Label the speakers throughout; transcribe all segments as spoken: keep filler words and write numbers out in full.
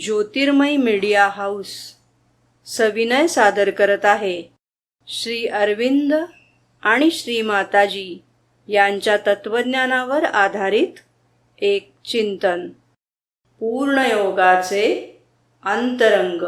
Speaker 1: ज्योतिर्मय media house सविनय सादर करत आहे श्री अरविंद आणि श्री माताजी यांच्या तत्वज्ञानावर आधारित एक चिंतन, पूर्णयोगाचे अंतरंग.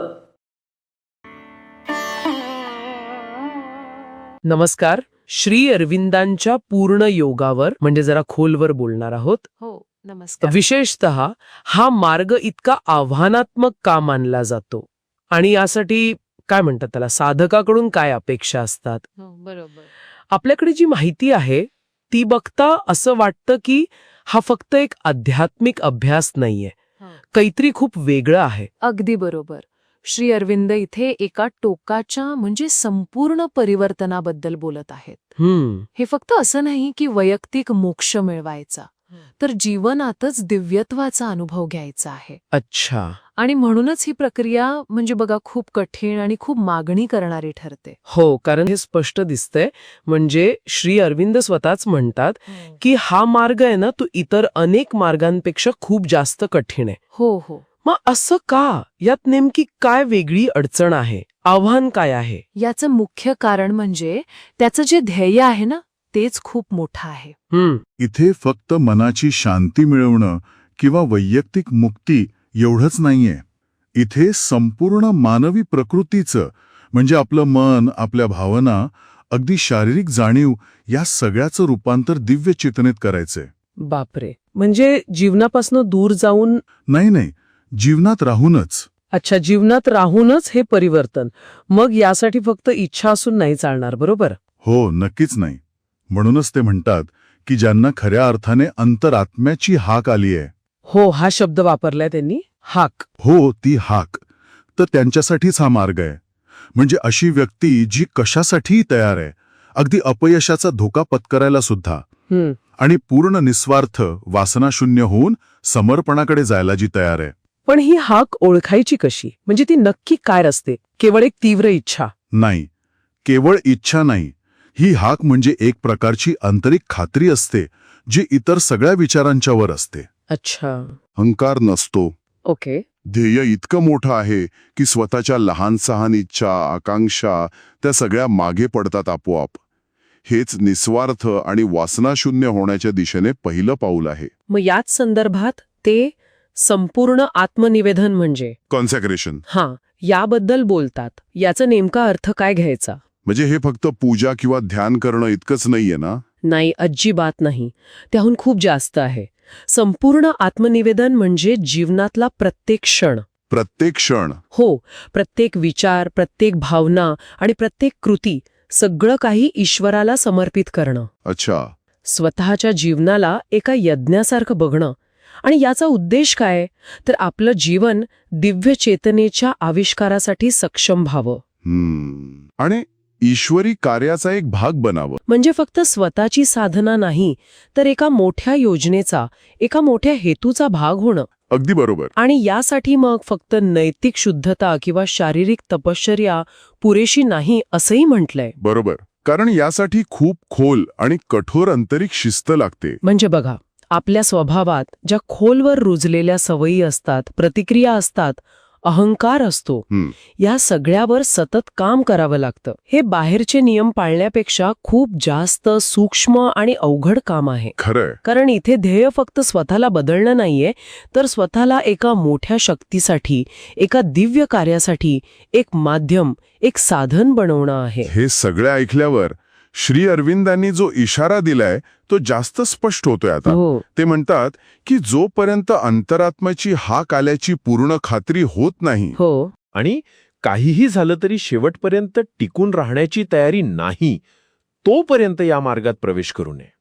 Speaker 2: नमस्कार. श्री अरविंदांच्या पूर्ण योगावर म्हणजे जरा खोलवर बोलणार आहोत.
Speaker 3: हो, नमस्कार.
Speaker 2: विशेषतः हा मार्ग इतका आव्हानात्मक का मानला जातो आणि यासाठी काय म्हणतात त्याला, साधकाकडून काय अपेक्षा असतात?
Speaker 3: हो, बरोबर.
Speaker 2: आपल्याकडे जी माहिती आहे ती बघता असं वाटतं की हा फक्त एक आध्यात्मिक अभ्यास नाहीये,
Speaker 3: हो.
Speaker 2: काहीतरी खूप वेगळं आहे.
Speaker 3: अगदी बरोबर. श्री अरविंद इथे एका टोकाच्या म्हणजे संपूर्ण परिवर्तनाबद्दल बोलत आहेत.
Speaker 2: हम्म
Speaker 3: हे फक्त असं नाही की वैयक्तिक मोक्ष मिळवायचा, तर जीवनातच दिव्यत्वाचा अनुभव घ्यायचा आहे.
Speaker 2: अच्छा.
Speaker 3: आणि म्हणूनच ही प्रक्रिया म्हणजे बघा खूप कठीण आणि खूप मागणी करणारी ठरते.
Speaker 2: हो, कारण हे स्पष्ट दिसतंय. म्हणजे श्री अरविंद स्वतःच म्हणतात की हा मार्ग आहे ना, तो इतर अनेक मार्गांपेक्षा खूप जास्त कठीण आहे.
Speaker 3: हो हो
Speaker 2: मग असं का? यात नेमकी काय वेगळी अडचण आहे, आव्हान काय आहे?
Speaker 3: याचं मुख्य कारण म्हणजे त्याचं जे ध्येय आहे ना, तेच खूप मोठं आहे.
Speaker 2: हम्म
Speaker 4: इथे फक्त मनाची शांती मिळवणं किंवा वैयक्तिक मुक्ती एवढंच नाहीये. इथे संपूर्ण मानवी प्रकृतीचं म्हणजे आपलं मन, आपल्या भावना, अगदी शारीरिक जाणीव या सगळ्याचं रूपांतर दिव्य चेतनेत करायचंय.
Speaker 2: बापरे. म्हणजे जीवनापासून दूर जाऊन?
Speaker 4: नाही नाही, जीवनात राहूनच.
Speaker 2: अच्छा, जीवनात राहूनच हे परिवर्तन. मग यासाठी फक्त इच्छा असून नाही चालणार, बरोबर?
Speaker 4: हो, नक्कीच नाही. म्हणूनच ते म्हणतात की ज्यांना खऱ्या अर्थाने अंतरात्म्याची हाक आली आहे.
Speaker 2: हो, हा शब्द वापरलाय त्यांनी, हाक.
Speaker 4: हो, ती हाक. तर त्यांच्यासाठीच हा मार्ग आहे. म्हणजे अशी व्यक्ती जी कशासाठीही तयार आहे, अगदी अपयशाचा धोका पत्करायला सुद्धा,
Speaker 2: हम्म
Speaker 4: आणि पूर्ण निस्वार्थ वासनाशून्य होऊन समर्पणाकडे जायला जी तयार आहे.
Speaker 2: पण ही हाक ओळखायची कशी? म्हणजे ती नक्की काय असते? केवळ एक तीव्र इच्छा?
Speaker 4: नाही, केवळ इच्छा नाही. ही हाक म्हणजे एक प्रकारची आंतरिक खात्री असते जी इतर सगळ्या विचारांच्या वर असते.
Speaker 2: अच्छा.
Speaker 4: अहंकार नसतो.
Speaker 2: ओके.
Speaker 4: ध्येय इतकं मोठं आहे की स्वतःच्या लहान सहान इच्छा, आकांक्षा त्या सगळ्या मागे पडतात आपोआप. हेच निस्वार्थ आणि वासनाशून्य होण्याच्या दिशेने पहिलं पाऊल आहे.
Speaker 2: मग याच संदर्भात ते संपूर्ण आत्मनिवेदन म्हणजे
Speaker 4: कॉन्सॅक्रेशन,
Speaker 2: हां, याबद्दल बोलतात. याचा नेमका अर्थ काय घ्यायचा?
Speaker 4: म्हणजे हे फक्त पूजा किंवा ध्यान करणं इतकंच नाहीये ना?
Speaker 2: नाही, अजिबात नाही. त्याहून खूप जास्त आहे. संपूर्ण आत्मनिवेदन म्हणजे जीवनातला प्रत्येक क्षण.
Speaker 4: प्रत्येक क्षण?
Speaker 2: हो, प्रत्येक विचार, प्रत्येक भावना आणि प्रत्येक कृती, सगळं काही ईश्वराला समर्पित करणं.
Speaker 4: अच्छा.
Speaker 2: स्वतःच्या जीवनाला एका यज्ञासारखं बघणं. आणि याचा उद्देश काय? तर आपलं जीवन दिव्य चेतनेच्या आविष्कारासाठी सक्षम व्हावं.
Speaker 4: हम्म आणि ईश्वरी कार्याचा एक भाग बनावं.
Speaker 2: म्हणजे फक्त स्वतःची साधना नाही, तर एका मोठ्या योजनेचा, एका मोठ्या हेतूचा भाग होणं.
Speaker 4: अगदी बरोबर.
Speaker 2: आणि यासाठी मग फक्त नैतिक शुद्धता किंवा शारीरिक तपश्चर्या पुरेशी नाही असंही म्हटलंय.
Speaker 4: बरोबर. कारण यासाठी खूप खोल आणि कठोर आंतरिक शिस्त लागते.
Speaker 2: म्हणजे बघा, आपल्या स्वभावात ज्या खोलवर रुजलेल्या सवयी असतात, प्रतिक्रिया असतात, अहंकार असतो,
Speaker 4: हम्म.
Speaker 2: या सगळ्यावर सतत काम करावं लागतं. हे बाहेरचे नियम पाळण्यापेक्षा खूप जास्त सूक्ष्म आणि अवघड काम आहे.
Speaker 4: खरंय.
Speaker 2: कारण इथे ध्येय फक्त स्वतःला बदलणं नाहीये, तर स्वतःला एका मोठ्या शक्तीसाठी, एका दिव्य कार्यासाठी एक माध्यम, एक साधन बनवणं आहे.
Speaker 4: हे सगळे ऐकल्यावर श्री अरविंदांनी जो इशारा दिलाय तो जास्त स्पष्ट होतोय आता.
Speaker 2: हो.
Speaker 4: ते म्हणतात की जोपर्यंत अंतरात्म्याची हाक आल्याची पूर्ण खात्री होत नाही,
Speaker 2: हो,
Speaker 5: आणि काहीही झालं तरी शेवटपर्यंत टिकून राहण्याची तयारी नाही, तोपर्यंत या मार्गात प्रवेश करू नये.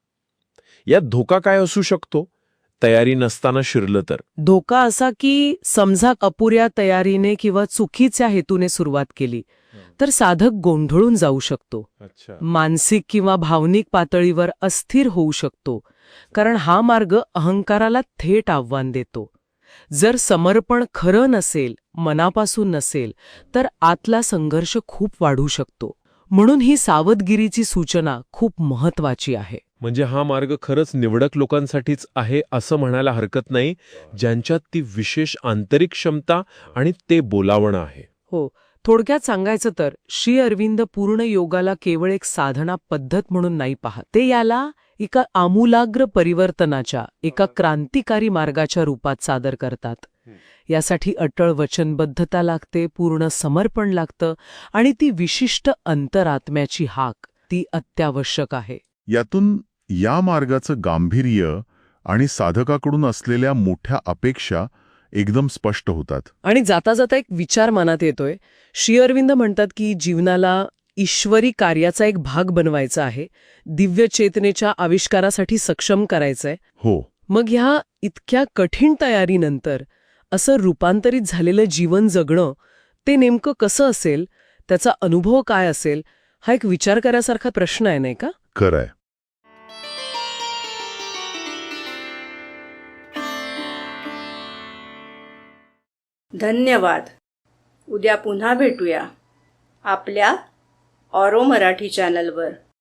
Speaker 5: यात धोका काय असू शकतो? तयारी नसताना शिरलं तर?
Speaker 2: धोका असा की समजा अपुऱ्या तयारीने किंवा चुकीच्या हेतूने सुरुवात केली तर साधक गोंधळून जाऊ शकतो.
Speaker 5: अच्छा.
Speaker 2: मानसिक किंवा भावनिक पातळीवर अस्थिर होऊ शकतो. कारण हा मार्ग अहंकाराला थेट आव्हान देतो. जर समर्पण खरं नसेल, मनापासून नसेल, तर आतला संघर्ष खूप वाढू शकतो. म्हणून ही सावधगिरीची सूचना खूप महत्वाची आहे.
Speaker 5: म्हणजे हा मार्ग खरंच निवडक लोकांसाठीच आहे असं म्हणायला हरकत नाही, ज्यांच्यात ती विशेष आंतरिक क्षमता आणि ते बोलावणं आहे.
Speaker 2: हो, थोडक्यात सांगायचं तर श्री अरविंद पूर्ण योगाला केवळ एक साधना पद्धत म्हणून नाही पाहत. ते याला एका आमूलाग्र परिवर्तनाच्या, एका क्रांतिकारी मार्गाच्या रूपात सादर करतात. यासाठी अटळ वचनबद्धता लागते, पूर्ण समर्पण लागतं आणि ती विशिष्ट अंतरात्म्याची हाक ती अत्यावश्यक आहे.
Speaker 4: यातून या मार्गाचं गांभीर्य आणि साधकाकडून असलेल्या मोठ्या अपेक्षा एकदम स्पष्ट होतात.
Speaker 2: आणि जाता जाता एक विचार मनात येतोय. श्री अरविंद म्हणतात की जीवनाला ईश्वरी कार्याचा एक भाग बनवायचा आहे, दिव्य चेतनेच्या आविष्कारासाठी सक्षम करायचंय.
Speaker 4: हो,
Speaker 2: मग ह्या इतक्या कठीण तयारीनंतर असं रूपांतरित झालेलं जीवन जगणं ते नेमकं कसं असेल, त्याचा अनुभव काय असेल, हा एक विचार करायसारखा प्रश्न आहे, नाही का?
Speaker 4: खरंय.
Speaker 1: धन्यवाद. उद्या पुन्हा भेटूया आपल्या ऑरो मराठी चॅनलवर.